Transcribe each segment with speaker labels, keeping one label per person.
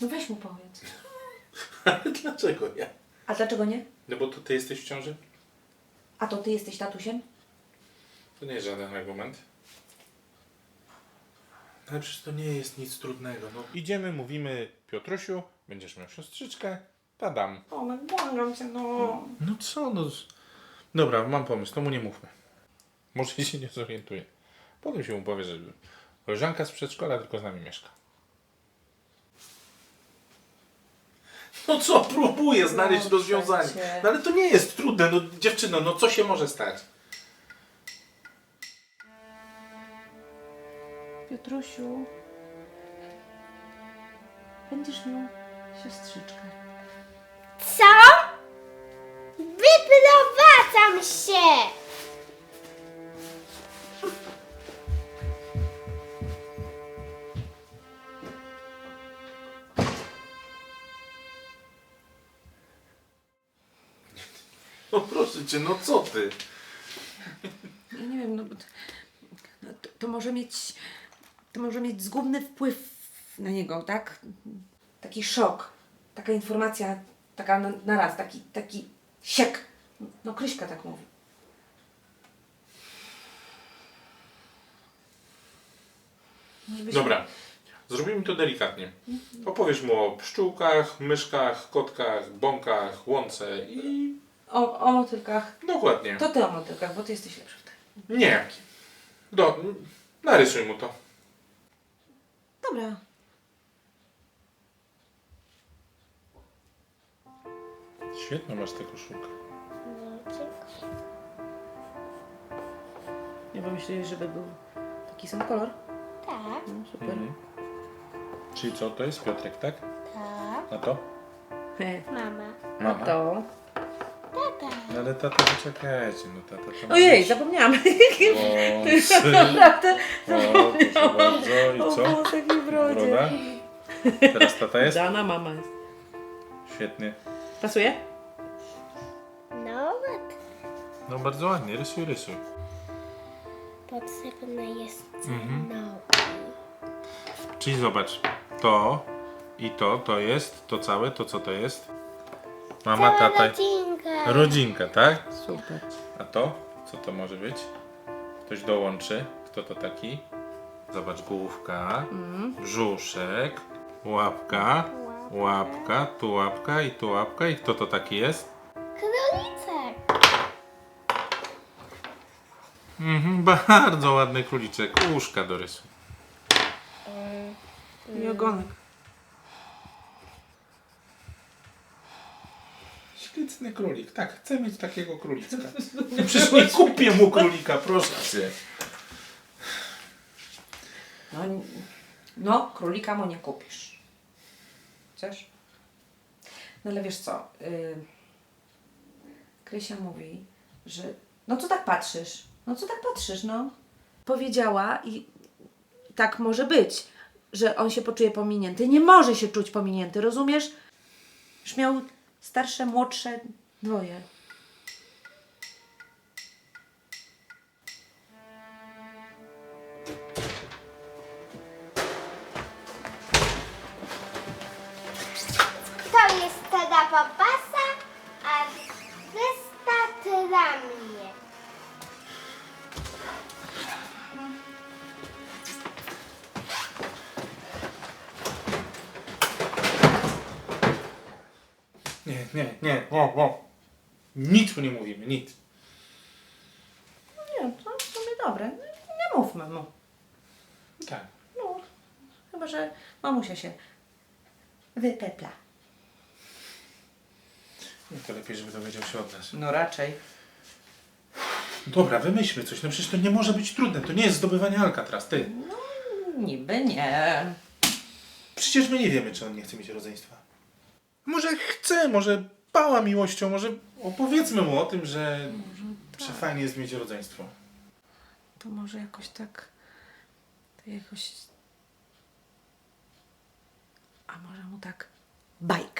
Speaker 1: No weź mu powiedz.
Speaker 2: Ale dlaczego ja?
Speaker 1: A dlaczego nie?
Speaker 2: No bo to ty jesteś w ciąży?
Speaker 1: A to ty jesteś tatusiem?
Speaker 2: To nie jest żaden argument. Ale przecież to nie jest nic trudnego. No. Idziemy, mówimy, Piotrusiu, będziesz miał siostrzyczkę, padam.
Speaker 1: O, no błagam cię, no.
Speaker 2: No co, no. Dobra, mam pomysł, to mu nie mówmy. Może się nie zorientuje. Potem się mu powie, że koleżanka z przedszkola tylko z nami mieszka. No co, próbuję znaleźć
Speaker 1: Proszę
Speaker 2: rozwiązanie.
Speaker 1: cię.
Speaker 2: No ale to nie jest trudne, no dziewczyno, no co się może stać?
Speaker 1: Piotrusiu, będziesz miał siostrzyczkę.
Speaker 3: Co? Wyprowadzam się!
Speaker 2: No proszę cię, no co ty?
Speaker 1: Ja nie wiem, no, to może mieć... To może mieć zgubny wpływ na niego, tak? Taki szok. Taka informacja, taka na raz, taki siek. No Kryśka tak mówi. Może byś-
Speaker 2: Dobra, zrobimy to delikatnie. Opowiesz mu o pszczółkach, myszkach, kotkach, bąkach, łące i...
Speaker 1: O motylkach.
Speaker 2: Dokładnie.
Speaker 1: To ty o motylkach, bo ty jesteś lepszy w tym.
Speaker 2: Nie. Narysuj mu to.
Speaker 1: Dobra.
Speaker 2: Świetno masz tę koszulkę.
Speaker 1: Nie pomyśleli, żeby był taki sam kolor?
Speaker 3: Tak,
Speaker 1: No, super.
Speaker 2: Czyli co, to jest Piotrek, tak?
Speaker 3: tak.
Speaker 2: A to?
Speaker 3: Mama.
Speaker 1: A to?
Speaker 3: Tata.
Speaker 2: No ale tata, poczekajcie, no tata to...
Speaker 1: Ojej, zapomniałam.
Speaker 2: Wąsy.
Speaker 1: Naprawdę.
Speaker 2: O, proszę bardzo. I
Speaker 1: O
Speaker 2: co?
Speaker 1: włosach i brodzie.
Speaker 2: Broda? Teraz tata jest?
Speaker 1: Dana mama jest.
Speaker 2: Świetnie.
Speaker 1: Pasuje?
Speaker 3: No ładnie.
Speaker 2: No bardzo ładnie, rysuj.
Speaker 3: Potrzebne jest
Speaker 2: Mhm.
Speaker 3: nogi.
Speaker 2: Czyli zobacz, to i to jest, to całe, to co to jest? Mama, tata,
Speaker 3: Rodzinka.
Speaker 2: rodzinka, tak?
Speaker 1: Super.
Speaker 2: A to? Co to może być? Ktoś dołączy. Kto to taki? Zobacz, główka, brzuszek, łapka, łapka, tu łapka i tu łapka. I kto to taki jest?
Speaker 3: Królicek.
Speaker 2: Bardzo ładny króliczek. Uszka do rysu.
Speaker 1: I ogonek.
Speaker 2: Śliczny królik. Tak, chcę mieć takiego królika. No przecież nie kupię mu królika, proszę cię.
Speaker 1: No, królika mu nie kupisz. Chcesz? No ale wiesz co? Krysia mówi, że... No co tak patrzysz? No. Powiedziała i tak może być, że on się poczuje pominięty. Nie może się czuć pominięty, rozumiesz? Już miał starsze, młodsze, dwoje.
Speaker 3: To jest tada papasa, a reszta dla mnie.
Speaker 2: Nie. O. Nic mu nie mówimy, nic.
Speaker 1: Nie, to w sumie dobre. Nie mówmy mu.
Speaker 2: Tak.
Speaker 1: No, chyba, że mamusia się wypepla.
Speaker 2: No to lepiej, żeby dowiedział się od nas.
Speaker 1: No raczej.
Speaker 2: Dobra, wymyślmy coś. No przecież to nie może być trudne. To nie jest zdobywanie Alcatraz, ty.
Speaker 1: Niby nie.
Speaker 2: Przecież my nie wiemy, czy on nie chce mieć rodzeństwa. Może chce, może pała miłością, może opowiedzmy mu o tym, że fajnie jest mieć rodzeństwo.
Speaker 1: To może jakoś tak... To jakoś... A może mu tak... Bajkę.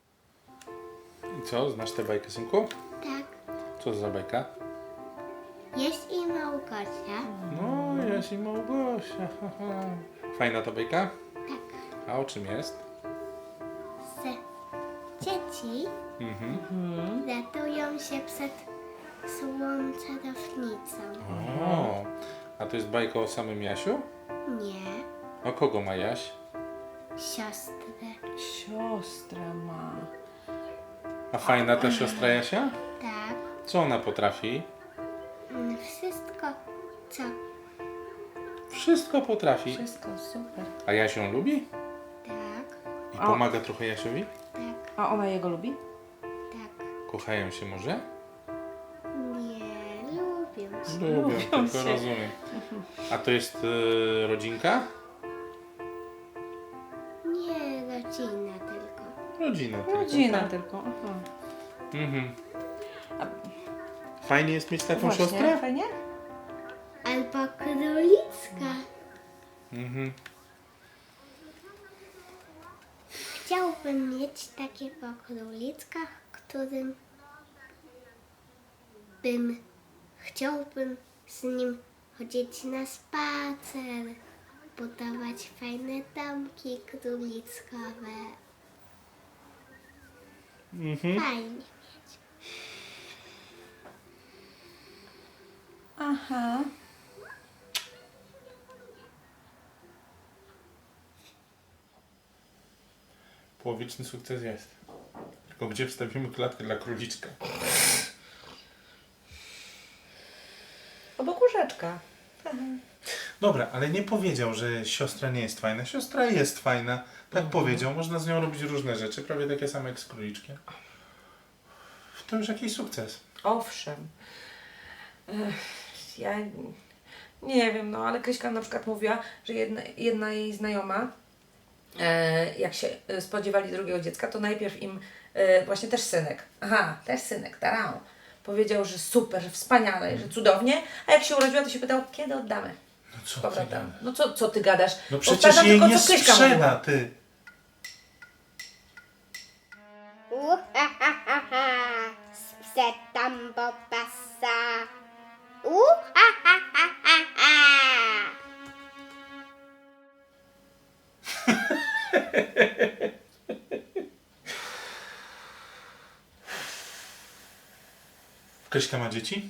Speaker 2: I co, znasz tę bajkę, synku?
Speaker 3: Tak.
Speaker 2: Co za bajka?
Speaker 3: Jest i Małgosia.
Speaker 2: No, Jaś i Małgosia. Haha. Fajna to bajka?
Speaker 3: Tak.
Speaker 2: A o czym jest?
Speaker 3: Z dzieci ratują się przed złą czarownicą.
Speaker 2: O, a to jest bajka o samym Jasiu?
Speaker 3: Nie,
Speaker 2: A kogo ma Jaś?
Speaker 3: siostrę.
Speaker 1: Siostra ma.
Speaker 2: A fajna ta siostra Jasia?
Speaker 3: Tak.
Speaker 2: Co ona potrafi?
Speaker 3: Wszystko, co
Speaker 2: Wszystko potrafi.
Speaker 1: Wszystko super.
Speaker 2: A Jaś ją lubi?
Speaker 3: tak,
Speaker 2: I pomaga trochę Jasiowi?
Speaker 3: tak,
Speaker 1: A ona jego lubi?
Speaker 3: tak.
Speaker 2: Kochają się może?
Speaker 3: Nie lubię się.
Speaker 2: Lubią,
Speaker 1: Lubią
Speaker 2: tylko
Speaker 1: się.
Speaker 2: rozumiem. A to jest rodzinka?
Speaker 3: Nie rodzina tylko.
Speaker 2: Rodzina tylko.
Speaker 1: Rodzina
Speaker 2: tak?
Speaker 1: tylko. Aha.
Speaker 2: Mhm.
Speaker 1: A
Speaker 2: Fajnie jest mieć taką
Speaker 1: właśnie,
Speaker 2: siostrę?
Speaker 1: fajnie?
Speaker 3: Albo królicka.
Speaker 2: Mhm.
Speaker 3: Chciałbym mieć takiego królika, którym chciałbym z nim chodzić na spacer, budować fajne domki królickowe.
Speaker 2: Mhm.
Speaker 3: Fajnie.
Speaker 1: Aha.
Speaker 2: Połowiczny sukces jest. Tylko gdzie wstawimy klatkę dla króliczka?
Speaker 1: Obok łóżeczka.
Speaker 2: Dobra, ale nie powiedział, że siostra nie jest fajna. Siostra jest fajna. Tak powiedział. Można z nią robić różne rzeczy, prawie takie same jak z króliczkiem. To już jakiś sukces.
Speaker 1: Owszem. Ja nie wiem, no ale Kryśka na przykład mówiła, że jedna jej znajoma, jak się spodziewali drugiego dziecka, to najpierw im właśnie też synek. Aha, też synek, tarau. Powiedział, że super, że wspaniale, że cudownie, a jak się urodziła, to się pytał, kiedy oddamy.
Speaker 2: No co ty
Speaker 1: Powrotem.
Speaker 2: gadasz?
Speaker 1: No co ty gadasz?
Speaker 2: No przecież
Speaker 1: Powtarzam
Speaker 2: jej
Speaker 1: tylko,
Speaker 2: nie
Speaker 1: co Kryśka
Speaker 2: sprzeda,
Speaker 1: mówiła.
Speaker 2: ty.
Speaker 3: Sprzedam Bobasa.
Speaker 2: Kryśka ma dzieci?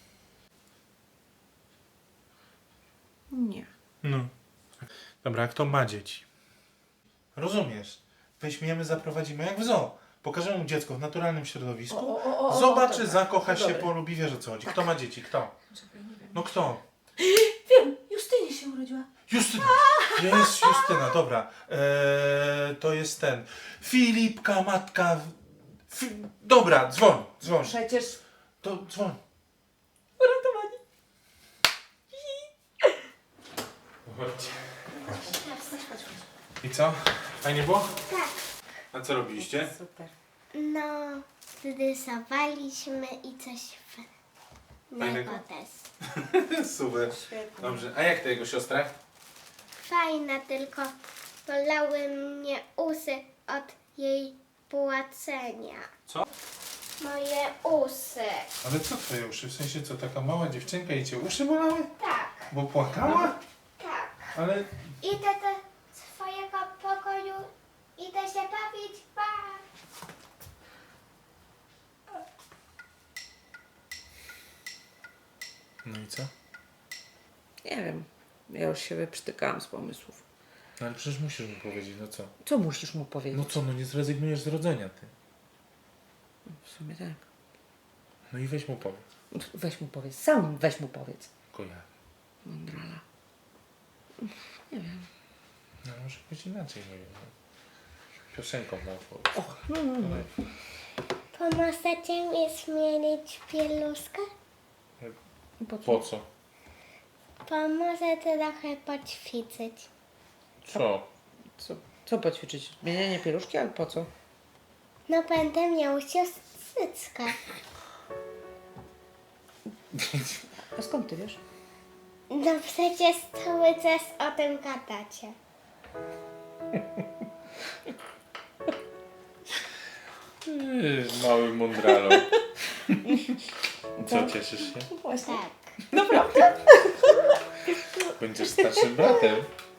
Speaker 1: Nie.
Speaker 2: No. Dobra, a kto ma dzieci? Rozumiesz. Weźmiemy, zaprowadzimy jak w zoo. Pokażemy mu dziecko w naturalnym środowisku. Zobaczy,
Speaker 1: dobra.
Speaker 2: zakocha się,
Speaker 1: Dobra.
Speaker 2: polubi, wiesz o co chodzi. Kto ma dzieci? Kto?
Speaker 1: Czekaj, nie wiem.
Speaker 2: No kto?
Speaker 1: Wiem, Justynie się urodziła.
Speaker 2: Justyna. Jest Justyna, dobra. To jest ten. Filipka, matka. Dobra, dzwoń, dzwoń.
Speaker 1: Przecież
Speaker 2: To dzwoń.
Speaker 1: uratowani.
Speaker 2: Chodźcie. I co? Fajnie było?
Speaker 3: Tak.
Speaker 2: A co robiliście?
Speaker 1: Super.
Speaker 3: No, rysowaliśmy i coś
Speaker 2: Fajnego?
Speaker 3: fajnego też.
Speaker 2: Super.
Speaker 1: Świetnie.
Speaker 2: Dobrze. A jak to jego siostra?
Speaker 3: Fajna, tylko bolały mnie usy od jej płacenia.
Speaker 2: Co?
Speaker 3: Moje usy.
Speaker 2: Ale co twoje uszy? W sensie co, taka mała dziewczynka i cię uszy bolały?
Speaker 3: Tak,
Speaker 2: Bo płakała?
Speaker 3: tak.
Speaker 2: Ale...
Speaker 3: Idę do swojego pokoju, idę się bawić, pa!
Speaker 2: No i co?
Speaker 1: Nie wiem. Ja już się wyprztykałam z pomysłów.
Speaker 2: No ale przecież musisz mi powiedzieć, no co?
Speaker 1: Co musisz mu powiedzieć?
Speaker 2: No co, no nie zrezygnujesz z rodzenia ty.
Speaker 1: W sumie tak.
Speaker 2: No i weź mu powiedz.
Speaker 1: Weź mu powiedz. Sam weź mu powiedz.
Speaker 2: Tylko ja.
Speaker 1: Mądrala.
Speaker 2: No może być inaczej, nie wiem. No. Piosenką na powiedz.
Speaker 1: Och, no.
Speaker 3: Pomożecie mi zmienić pieluszkę?
Speaker 1: Po co?
Speaker 2: Po co?
Speaker 3: Pomoże trochę poćwiczyć.
Speaker 2: Co?
Speaker 1: Co poćwiczyć? Zmienianie pieluszki, ale po co?
Speaker 3: No będę miał siostryczkę.
Speaker 1: A skąd ty wiesz?
Speaker 3: No przecież cały czas o tym gadacie.
Speaker 2: Mały mądralo. Co, cieszysz się?
Speaker 1: Właśnie.
Speaker 3: Tak.
Speaker 1: Naprawdę?
Speaker 2: Będziesz starszym bratem.